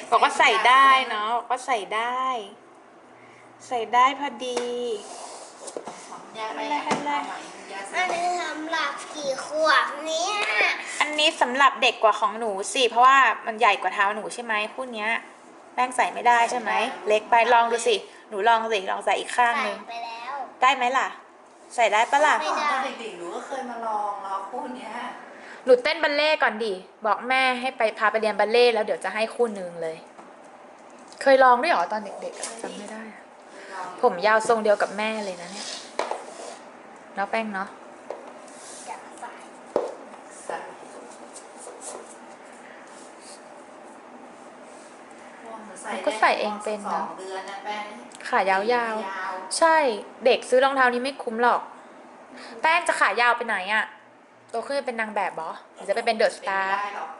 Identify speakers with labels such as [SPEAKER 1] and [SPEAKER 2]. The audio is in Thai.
[SPEAKER 1] บอกว่าใส่ได้เนาะบอกว่าใส่ได้ ใส่ได้พอดี
[SPEAKER 2] ยาไป
[SPEAKER 1] อะไร
[SPEAKER 2] ใหม่ยา
[SPEAKER 3] อันนี้สำหรับกี่ขวบเนี่ย
[SPEAKER 1] อันนี้สำหรับเด็กกว่าของหนูสิเพราะว่ามันใหญ่กว่าเท้าหนูใช่ไหมคู่เนี้ยแป้งใส่ไม่ได้ใช่ไหมเล็กไปลองดูสิหนูลองสิลองใส่อีกข้าง
[SPEAKER 3] ใส่
[SPEAKER 1] หนึ่ง
[SPEAKER 3] ไปแล้ว
[SPEAKER 1] ได้ไหมล่ะ ใส่ได้ปะล่ะ
[SPEAKER 3] ไม่ได้
[SPEAKER 2] ตอนเด็กๆหนูก็เคยมาลองคู่เนี้ย
[SPEAKER 1] หนูเต้นบัลเล่ต์ก่อนดิบอกแม่ให้ไปพาไปเรียนบัลเล่ต์แล้วเดี๋ยวจะให้คู่หนึ่งเลย เคยลองด้วยเหรอตอนเด็กๆอะจำไม่ได้อะผมยาวทรงเดียวกับแม่เลยนะเนี่ยเนาะแป้งเนาะ
[SPEAKER 3] จะใส่
[SPEAKER 1] ก็ใส่เองเป็นเนาะ
[SPEAKER 2] 2 เดือนนะแป้ง
[SPEAKER 1] ขายาวๆใช่เด็กซื้อรองเท้านี้ไม่คุ้มหรอก แป้งจะขายาวไปไหนอะโตขึ้นจะเป็นนางแบบบอหรือจะไปเป็นเดอะส
[SPEAKER 2] เป็น
[SPEAKER 1] ตาร์
[SPEAKER 2] ได้หรอก